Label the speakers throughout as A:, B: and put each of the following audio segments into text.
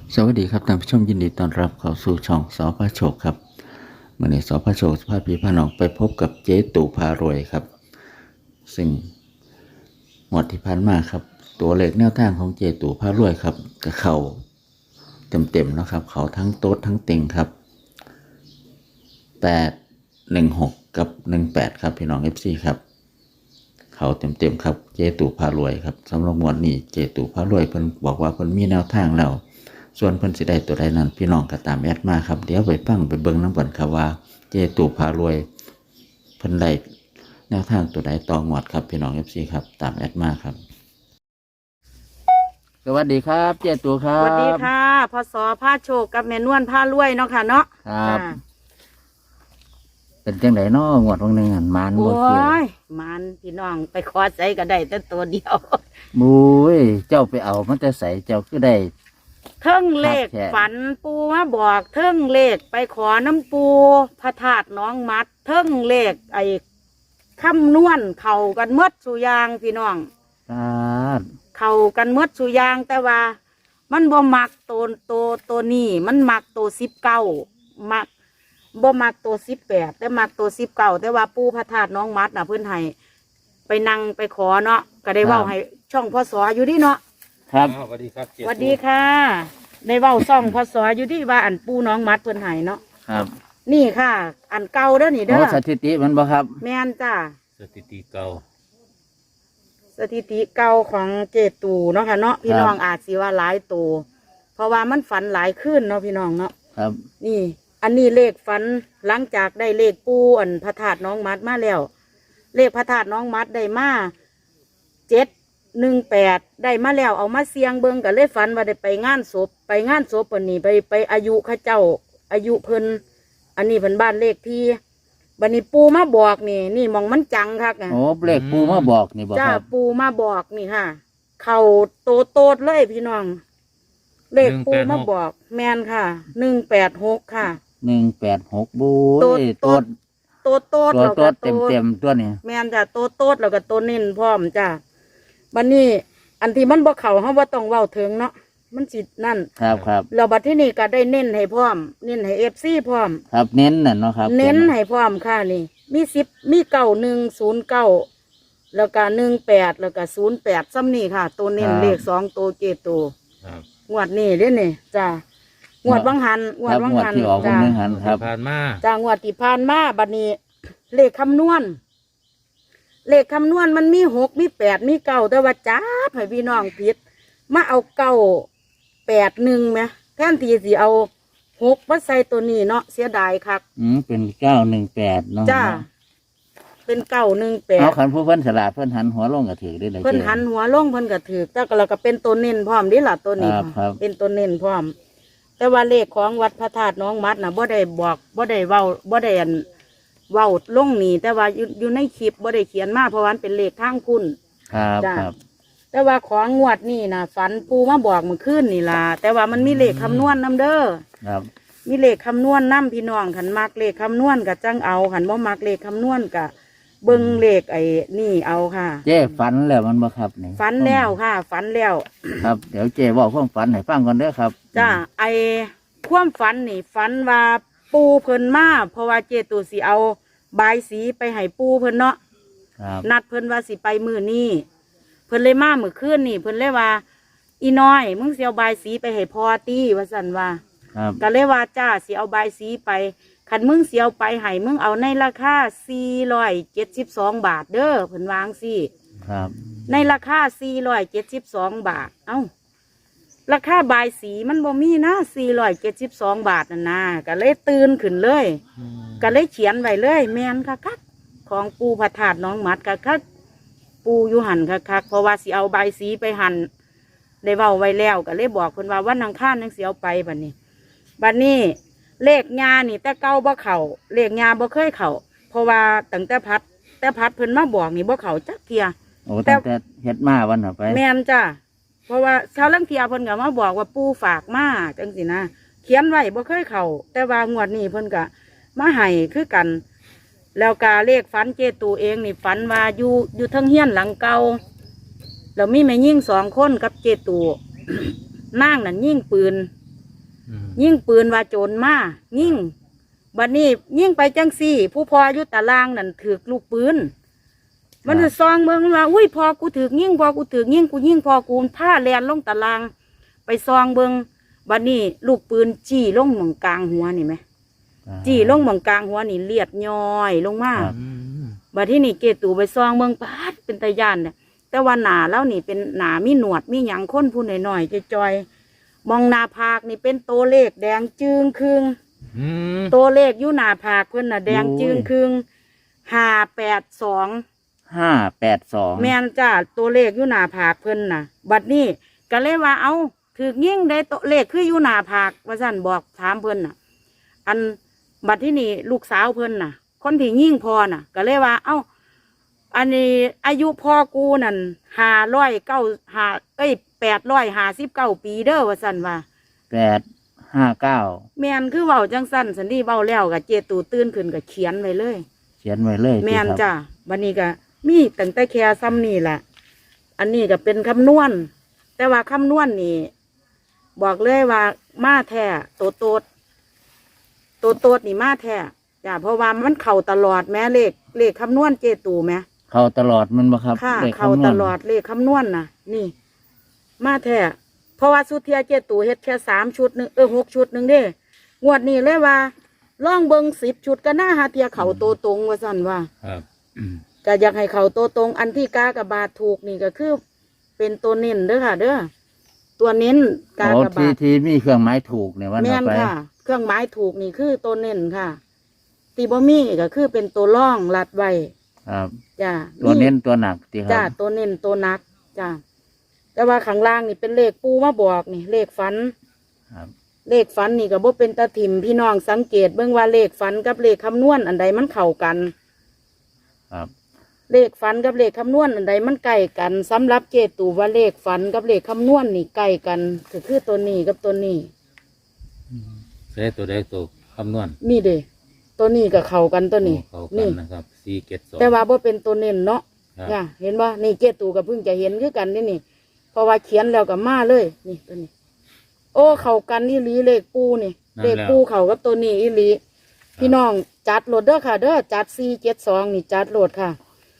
A: สวัสดีครับท่านผู้ชมยินดีต้อนรับเข้าสู่ช่องสพโชคครับเมื่อนี้สพโชคพาพี่พาน้องไปพบกับเจ๊ตู่พารวยครับซึ่งหมดที่ผ่านมาครับตัวเลขแนวทางของเจ๊ตู่พารวยครับก็เข้าเต็มๆนะครับเขาทั้งโต๊ดทั้งเต็งครับ816กับ18ครับพี่น้อง FC ครับเขาเต็มๆครับเจ๊ตู่พารวยครับสำหรับงวดนี้เจ๊ตู่พารวยเพิ่นบอกว่าเพิ่นมีแนวทางแล้วส่วนเพิ่นสิได้ตัวใดนั้นพี่น้องก็ตามแอดมาครับเดี๋ยวไปฟังไปเบิ่งน้ำกันครับว่าเจ๊ตู่พารวยเพิ่นได้แนวทางตัวใดต่องวดครับพี่น้อง FC ครับตามแอดมาครับสวัสดีครับเจ๊ตู่ครั
B: ส
A: บ
B: วัสดีค่ะพศผ้าโชคกับแม่นวลผ้ารวยเนาะค่ะเนาะ
A: ครับ
B: จ้ะ
A: เป็นจังไดน้องวดวันหนึ่งหันมาน
B: โอ้
A: บ่เกี่ยวย
B: มันพี่น้องไปขอใจก็ได้แต่ตัวเดียว
A: มุ้ยเจ้าไปเอามันจะใส่เจ้าคือได้
B: เทิงเลข
A: ครับแท้
B: ฝันปูมาบอกเทิงเลขไปขอน้ำปูพระธาตุน้องมัดเทิงเลขไอ้คำนวณเข่ากันหมดสุอยางพี่น้อง
A: ครับ
B: เข่ากันหมดสุอยางแต่ว่า มันบ่มักตัวนี้มันมักตัว19มักบ่มักตัว18แต่มักตัว19แต่ว่าปู่พระธาตุน้องมัดน่ะเพิ่นให้ไปนั่งไปขอเนาะก็ได้เว้าให้ช่องพศอยู่ดิเนาะ
A: ครับ
C: สวัสดีครับเจ๊
B: สวัสดีค่ะได้เว้าช่องพศอยู่ดิว่าอันปู่น้องมัดเพิ่นให้เนาะ
A: ครับ
B: นี่ค่ะ อันเก่าเด้อนี่เด้
A: โอ้
B: อ
A: สถิติมันบ่ครับ
B: แม่นจ้า
C: สถิติเก่า
B: สถิติเก่าของเจตูเนาะค่ะเนาะพี่น้องอาจสิว่าหลายตัวเพราะว่ามันฝันหลายขึ้นเนาะพี่น้องเนาะ
A: ครับ
B: นี่ อันนี้เลขฝันหลังจากได้เลขปูอันพระธาตุน้องมัดมาแล้ว เลขพระธาตุน้องมัดได้มา718ได้มาแล้วเอามาเสียงเบิงกับเลขฝันว่าได้ไปงานศพวันนี้ไปอายุเข้าเจ้า อายุเพิ่นอันนี้เพิ่นบ้านเลขที่บันนี้ปูมาบอกนี่มองมันจังคักอ่ะ
A: โอ้เลขปูมาบอกนี่บ่
B: จ้า
A: ครับ
B: ปูมาบอกนี่ค่ะ เข่าโตดเลยพี่น้อง เลขปูมาบอกแมนค่ะ186ค่ะ
A: 186บู
B: โต
A: ย
B: โต
A: โตด
B: โต
A: ตัว
B: แล้ว
A: โต
B: ก็
A: ดเต็มตัวนี่
B: แมนจ้ะโตดแล้วก็โตเน้นพร้อมจ้าบัดนี้ อันที่มันบ่เข่าเฮาบ่ต้องเว้าถึงเนาะมันสินั่น
A: ครับ
B: แล้วบัดที่นี่ก็ได้เน้นให้พร้อม เน้นให้ FC พร้อม
A: ครับเน้นน่ะเนาะครับ
B: เน้นให้พร้อมค่ะนี่ มี10มี9109แล้วก็18แล้วก็08ซ้ำนี่ค่ะ ตัวเน้นเลข2ตัวเจตัว
C: ครับ
B: งวดนี้เด้นี่จ้างวดวังหัน
A: ครับงวดที่ออกวัน
B: จ้า
A: หนึงหันครับ
C: ผ่านมา
B: จ้างวดที่ผ่านมาบัดนี้ เลขคำนวณ เลขคำนวณมันมี6มี8มี9แต่ว่าจ้าให้พี่น้องผิดมาเอา981ไหมแทนที่สิเอา6มาใส่ตัวนี้เนาะเสียดายคัก
A: เป็น918เนาะ
B: จ้าเป็น
A: เอาขั
B: 918
A: นผู้เพิ่นฉลาดเพิ่นหันหัวลงก็ถือได้เลย
B: เพิ่นหันหัวลงเพิ่นก็ถือแต่ก็เราก็เป็นตัวเน้นพร้อมนี่ล่ะตัวนี้
A: ครับ
B: เป็นตัวเน้นพร้อม แต่ว่าเลขของวัดพระธาตุน้องมัดน่ะบ่ได้บอกบ่ได้เว้าบ่ได้อันเว้าลงนี่แต่ว่าอยู่ในคลิปบ่ได้เขียนมาเพราะว่ามันเป็นเลขทางคุณ
A: ครับ
B: จ้า
A: ครับ
B: แต่ว่าของงวดนี่นะฝันปูมาบอกเมื่อคืนนี่ล่ะแต่ว่ามันมีเลขคำนวณนํเด้อ
A: ครับ
B: มีเลขคำนวณนํพี่น้องขันมักเลขคำนวณก็จังเอาขันบ่มักเลขคำนวณก็เบิ่งเลขไอ้นี่เอาค่ะ
A: เจ้ฝันแล้วมันบ่ครับนี่
B: ฝันแล้วค่ะฝันแล้ว
A: ครับ เดี๋ยวเจ้บอกความฝันให้ฟังก่อนเด้อครับ
B: จ้าไอ้ความฝันนี่ฝันว่าปูเพิ่นมาเพราะว่าเจตูสิเอาบายสีไปให้ปูเพิ่นเนาะ
A: ครับ
B: นัดเพิ่นว่าสิไปมื้อนี้เพิ่นเลยมามื้อคืนนี่เพิ่นเลยว่า อีน้อยมึงสิเอาบายสีไปให้พ่อตี้ว่าซั่นว่า
A: ครับ
B: ก็เลยว่าจ้าสิเอาบายสีไปคันมึงสิเอาไปให้มึงเอาในราคา472 บาทเด้อเพิ่นวาจั่งสิ
A: ครับ
B: ในราคา472 บาทเอ้าราคาบายสีมันบ่มีนะ472 บาทนั่นนะก็เลยตื่นขึ้นเลย ก็เลยเขียนไว้เลยแมนคักๆของปูพระธาตุน้องมัดคักๆปูอยู่หันคักๆเพราะว่าสิเอาใบายสีไปหันได้เว้าไว้แล้วก็เลยบอกเพิ่นว่าวันอังคารนังสิเอาไปบัดนี้เลขงานี่แต่เก้าบ่เข่าเลขงาบ่เคยเข่าเพราะว่าตั้งแต่พัดเพิ่นมาบอกนี่บ่เข่าจักเทีย
A: โอ้ตั้งแต่เฮ็ดมาวันน่ะไป
B: แมนจ้ะเพราะว่าชาวลังเทียเพิ่นก็มาบอกว่าปูฝากมาจังสินะเขียนไว้บ่เคยเข่าแต่ว่างวดนี้เพิ่นก็มาให้คือกัน แล้วกาเลขฝันเจตูเองนี่ฝันว่าอยู่เทั้งเฮียนหลังเก่าแล้วมีแม่ยิ่ง2 คนกับเจตู นั่งนั่นยิ่งปืนยิ่งปืนว่าโจรมายิ่งบัดนี้ยิ่งไปจังซี่ ผู้พออยู่ตารางนั่นถือลูกปืนมันจะซองเมืองว่าอุ้ยพอกูถือยิ่งพอกูถือยิ่งกูยิ่งพอกูผ้าแลนลงตาราง ไปซองเบิงบัดนี้ลูกปืนจี้ลงหม่องกลางหัวนี่ไหมจี้ลงหม่องกลางหัวนี่เลียดย้อยลงมาบัดที่นี่เกตูไปซองเบิงปาดเป็นตาย่านเนี่ยแต่ว่าหนาแล้วนี่เป็นหนามีหนวดมีหยังค้นผู้หน่อยๆจอยๆมองหนาผากนี่เป็นตัวเลขแดงจึงครึงตัวเลขอยู่หนาผากเพิ่นน่ะแดงจึงครึง582
A: 582
B: แม่นจ้าตัวเลขอยู่หนาผากเพิ่นน่ะบัดนี้ก็เลยว่าเอาถือยิ่งได้ตัวเลขคืออยู่หนาผากว่าสั่นบอกถามเพิ่นน่ะอันบัดที่นี่ลูกสาวเพิ่นน่ะคนที่ยิ่งพอน่ะก็เลยว่าเอ้าอันนี้อายุพ่อกูนั่น859 ปีเด้อว่าสั่นว่า
A: 859
B: แม่นคือเว้าจังสั่นสันนี่เว้าแล้วก็เจตูตื่นขึ้นก็เขียนไว้เลย
A: เขียนไว้เลย
B: แม่นจ้าบัดนี้ก็มีตั้งแต่แค่ซ้ำนี่แหละอันนี้ก็เป็นคำนวณแต่ว่าคำนวณนี่บอกเลยว่ามาแท้โตดนี่มาแท้จ้าเพราะว่ามันเข่าตลอดแม้เลขคำนวณเจตูแม้
A: เข้าตลอดมันบ่ครับ
B: ค่ะ
A: ลข
B: เข่า
A: คำนวณ
B: ตลอดเลขคำนวณน่ะ นี่ มาแท้เพราะว่าสุเทียเจตูเฮ็ดแค่3 ชุดหนึ่ง6 ชุดหนึ่งเด้งวดนี้เลยว่าล่องเบิง10 ชุดก็น่าหาเทียเข่าโตตรงว่าสั่นว่า
C: ครับ
B: ก็อยากให้เขาโตตรงอันที่กากบาทถูกนี่ก็คือ เป็นตัวเน้นเด้อค่ะ เด้อตัวเน้นกากบาท
A: ที่มีเครื่องหมายถูกเนี่ยว่า
B: แม่น
A: ไป
B: ค่ะ เครื่องหมายถูกนี่คือตัวเน้นค่ะตีบ่มีก็คือเป็นตัวร่องลัดไว้
A: ครับ
B: จ้า
A: ตัวเน้นตัวหนักที่ครั
B: จ้า
A: บ
B: ตัวเน้นตัวนักจ้าแต่ว่าข้างล่างนี่เป็นเลขปูมาบอกนี่ เลขฝัน
A: ครับ
B: เลขฝันนี่ก็บ่เป็นตาถิ่มพี่น้องสังเกตเบิ่งว่าเลขฝันกับเลขคำนวณอันใดมันเข้ากัน
A: ครับ
B: เลขฝันกับเลขคำนวณอันใดมันใกล้กันสำหรับเจตูว่าเลขฝันกับเลขคำนวณนี่ใกล้กันก็คือตัวนี้กับตัวนี้
C: ใช้ตัวใดตัวคำนวณ
B: นี่เด้ตัวนี้กับเข้ากันตัวนี้
C: เข้ากั
B: นี่
C: นนะครับ472
B: แต่ว่าบ่เป็นตัวเน้นเนาะ
C: ครับ
B: เนี่ยเห็นบ่นี่เจตูก็เพิ่งจะเห็นคือกันนี่เพราะว่าเขียนแล้วก็มาเลยนี่ตัวนี้ โอ้เข้ากันอีหลีเลขปูนี่เลขปูเข้ากับตัวนี้อีหลีพี่น้องจัดโหลดเด้อค่ะ เด้อจัด472นี่จัดโหลดค่ะ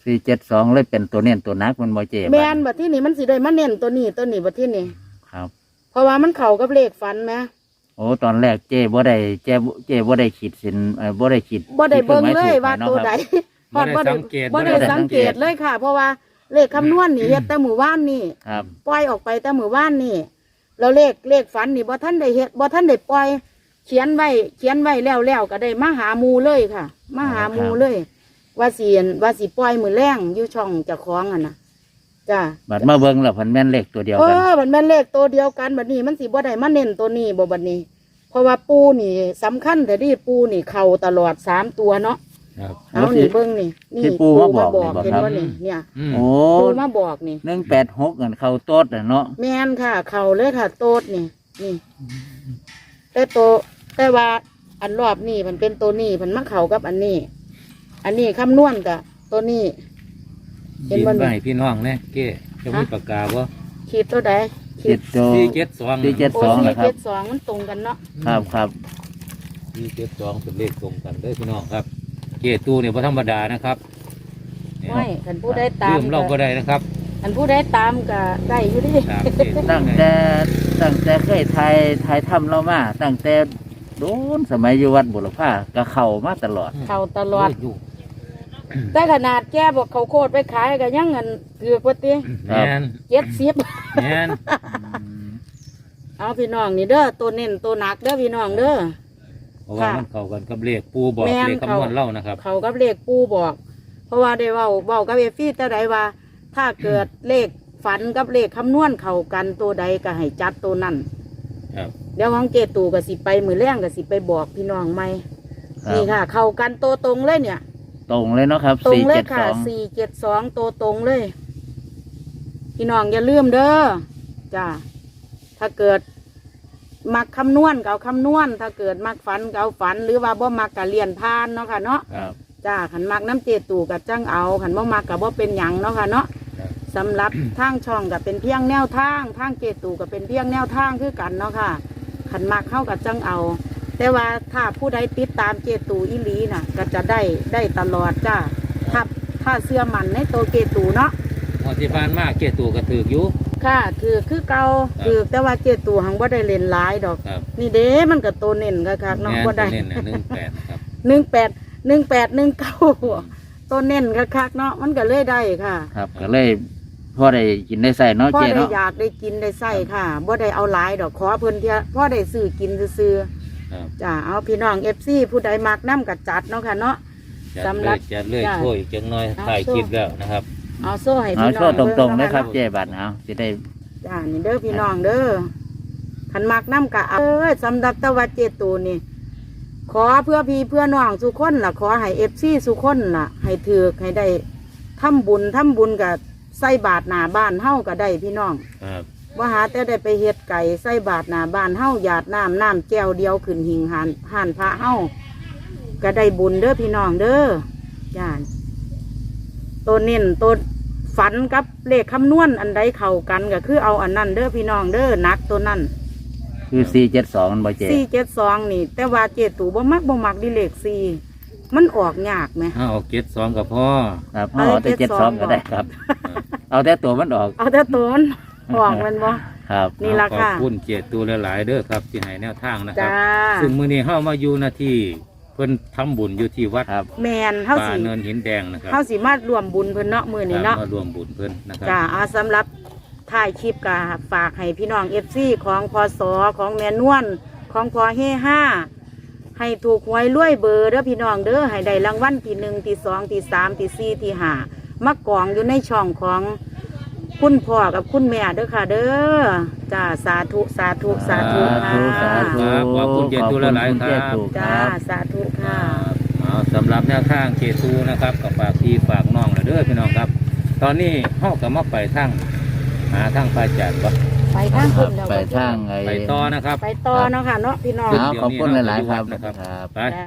A: 472เลยเป็นตัวเน้นตัวหนักมันบ่เจ็บ
B: แม่นบัดที่นี่มันสิได้มาเน้นตัวนี้บัดที่นี่
A: ครับ
B: เพราะว่ามันเข้ากับเลขฝันแหม
A: โอ้ตอนแรกเจ้บ่ได้บ่ได้ขีดสินบ่ได้ขีด
B: บ่ได้เบิ่งเลย
A: ที่
B: ว่า
A: ครื่องหม
B: ตัว
A: ถูก
B: ใด
C: บ่ได้สังเกต
B: บ่ได้สังเกตเลยค่ะ เพราะว่าเลขคำนวณนี่เฮ็ดแต่มื้อวานนี่
A: ครับ
B: ปล่อยออกไปแต่มื้อวานนี่แล้วเลขฝันนี่บ่ทันได้เฮ็ดบ่ทันได้ปล่อยเขียนไว้แล้วก็ได้มาหาหมู่เลยค่ะ มาหาหมู่เลย ว่าสิปล่อยมื้อแรงอยู่ช่องเจ้าของอ่ะนะจ้า
A: บัดมาเบิ่งแล้วเพิ่นแม่นเลขตัวเดียวกัน
B: มันแม่นเลขตัวเดียวกันบัดนี้มันสิบ่ได้มาเน้นตัวนี้บ่บัดนี้ เพราะว่าปูนี่สำคัญแต่ที่ปูนี่เข้าตลอด3 ตัวเนาะ
C: ครับ
B: เอานี่เบิ่งนี่
A: ที่ปูมาบอกนี่บ่
B: เห็น
A: ครับ
B: บ่นี่เนี่ย
C: อืม
A: โอ้
B: ปูมาบอกนี่
A: 186กันเข้าโต๊ดน่ะเนาะ
B: แม่นค่ะ เข้าเลยค่ะ โตดนี่นี่แต่ว่าอันรอบนี้มันเป็นตัวนี้มันมาเข้ากับอันนี้คำนวณกับตัวนี้ เห็น
C: ขีด
B: บ่
C: ไว้
B: นี่
C: ให้พี่น้องแน่เก้จะมีปากกาบ่
B: ขีดตัวใด
A: ขีดตัว
C: 472
A: 472
B: โอ้
A: นะครับ
B: 472มันตรงกันเนาะ
A: ครับ
C: 472เป็นเลขตรงกันเด้อพี่น้องครับ เก้ตู้เนี่ยบ่ธรรมดานะครับเนี่ย
B: ไม่คันผู้ใดตาม
C: ลืมเราบ่ได้นะครับ
B: คันผู้ใดตามก็ได้อยู่ดิ
C: ตามเก้ตู้
A: ตั้งแต่เคยถ่ายทำเรามาตั้งแต่โดนสมัยอยู่วัดบุรพาก็เข้ามาตลอด
B: เข้าตลอด
C: อยู่
B: แต่ขนาดแกบอกเขาโคตรไปขายก็ยังเงินเกือบกว่าติ
C: แม่น
B: 70
C: แม่น
B: เอาพี่น้องนี่เด้อตัวเน้นตัวหนักเด้อพี่น้องเด้อ
C: เพราะว่ามันเข้ากันกับเลขปูบอก
B: แม่น
C: เลขคำนวณเล่านะครับ
B: เขากับเลขปูบอก เพราะว่าได้เว้ากับเอฟฟี่แต่ใดว่า ถ้าเกิดเลขฝันกับเลขคำนวณเข้ากันตัวใดก็ให้จัดตัวนั้น
C: ครับ
B: เดี๋ยวของเจตูก็สิไปมือแรงก็สิไปบอกพี่น้องใหม่
A: ครับ
B: นี่ค่ะ เข้ากันตัวตรงเลยเนี่ย
A: ตรงเลยเนาะครับ
B: ตรงเลยค่ะ
A: 472
B: 472ตัวตรงเลย พี่น้องอย่าลืมเด้อจ้าถ้าเกิดมักคำนวณก็เอาคำนวณ ถ้าเกิดมักฝันก็เอาฝัน หรือว่าบ่มักก็เลียนพานเนาะค่ะเนาะ
A: ครับ
B: จ้าขันมักน้ำเจตูกับจังเอาขันบ่มักกับบ่เป็นหยังเนาะค่ะเนาะ
C: ครับ
B: สำหรับทางช่องกับเป็นเพียงแนวทางทางเจตูกับเป็นเพียงแนวทางคือกันเนาะค่ะขันมักเข้ากับจังเอา แต่ว่าถ้าผู้ใดติดตามเจตูอีหลีน่ะ ก็จะได้ตลอดจ้าถ้าเสื้อมันในตัวเจตูเนาะ
C: งวดที่ผ่านมาเกตูก็ถืออยู่
B: ค่ะคือเก่าคือแต่ว่าเจตูหังว่าได้เล่นหลายดอก
C: ครับ
B: นี่เด้มันก็ตัวเน้นคักๆเนาะ
C: แม่น
B: ว่าได้
C: เน้นๆ18นะครับ
B: 18 ตัวเน้นคักๆเนาะมันก็เลยได้ค่ะ
A: ครับก็เลยพ่อได้กินได้ใส่เนาะ
B: พ่อ
A: เจ๊
B: ได้
A: เนาะ
B: อยากได้กินได้ใส่ค่ะบ่ได้เอาหลายดอกขอเพิ่นเที่ยพ่อได้ซื้อกินซื้อ
C: ครับ
B: ๆจ้าเอาพี่น้อง FC ผู้ใดมักน้ำกัจัดเนาะค่ะเนาะ
C: จัด
B: สำห
C: เล
B: รับ
C: ยจัดเลย
B: จ้ะ
C: ช่วยอีกจังน้อย
B: เอา
C: ถ่าย
B: โซ่
C: คลิปแล้วนะครับ
B: เอาโซ่ให้
A: เอา
B: พี่น้
A: โช
B: อง
A: ว์ตรงๆเลยครับ
B: บิ่
A: เจ๊บัตรเอาจะได้
B: จ้านี่เด้อพี่น้องเด้อคันมักน้ำกะสำหรับตะวัดเจตูนี่ ขอเพื่อพี่เพื่อน้องสุคนล่ะ ขอให้ FC สุคนล่ะ ให้ถือกให้ได้ทำบุญกับใส่บาทหน้าบ้านเฮาก็ได้พี่น้อง
C: ครับ
B: ว่าหาแต่ได้ไปเฮ็ดไก่ใส่บาทหน้าบ้านเฮาหยาดน้ำแก้วเดียวขึ้นหิงห่านพระเฮาก็ได้บุญเด้อพี่น้องเด้อย่านตัวเน้นตัวฝันกับเลขคำนวณอันใดเข้ากันก็คือเอาอันนั้นเด้อพี่น้องเด้อนักตัวนั้น
A: คือ472มันบ่เจ๊
B: 472นี่ แต่ว่าเจตูบ่มักดิเลข4มันออกยากไหม
C: เอาเกต2กับพ่อ
A: ครับเอาแต่72ก็ได้ครับ เอาแต่ตัวมันออก
B: เอาแต่ตัวมันออกมันบ่
A: ครับ
B: นี่ล่ะ
C: ขอบคุณเจตูหลายๆเด้อครับที่ให้แนวทางนะครั
B: จ้า
C: บซึ่งมื้อนี้เฮามาอยู่หน้าที่เพิ่นทำบุญอยู่ที่วัด
A: ครับ
B: แมนเฮา
C: ป่า
B: สิ
C: เนินหินแดงนะครับ
B: เฮาสิมารวมบุญเพิ่นเนาะมื้อนี้เนาะ
C: มารวมบุญเพิ่นนะครับ
B: จ้าเอาสำหรับถ่ายคลิปกาฝากให้พี่น้อง FC ของพศของแม่นวลของพอเฮ5ให้ถูกหวยรวยเบอร์เด้อพี่น้องเด้อให้ได้รางวัลที่1ที่2ที่3ที่4ที่5มากองอยู่ในช่องของคุณพ่อกับคุณแม่เด้อค่ะ เด้อจ้าสาธุค่ะ
A: สาธุ
C: ครับขอบคุณเจตูหลายๆครับ
A: ขอณเจ๊ตู่
B: จ้าสาธุค่ะ
C: เอาสำหรับแนวทางเจตูนะครับกับฝากพี่ฝากน้องนะเด้อพี่น้องครับ ตอนนี้เฮาก็มาไปทางหาทางพระอาจารย์บ่
B: ไปทางคุณเดี๋ยว
A: ไปทางไอ้
C: ไปต่อนะครับ
B: ไปต่อเนาะค่ะเนาะพี่น้อง
A: เอาขอบคุณหลายๆครับ
C: นะครับ
A: ครับ
C: ไป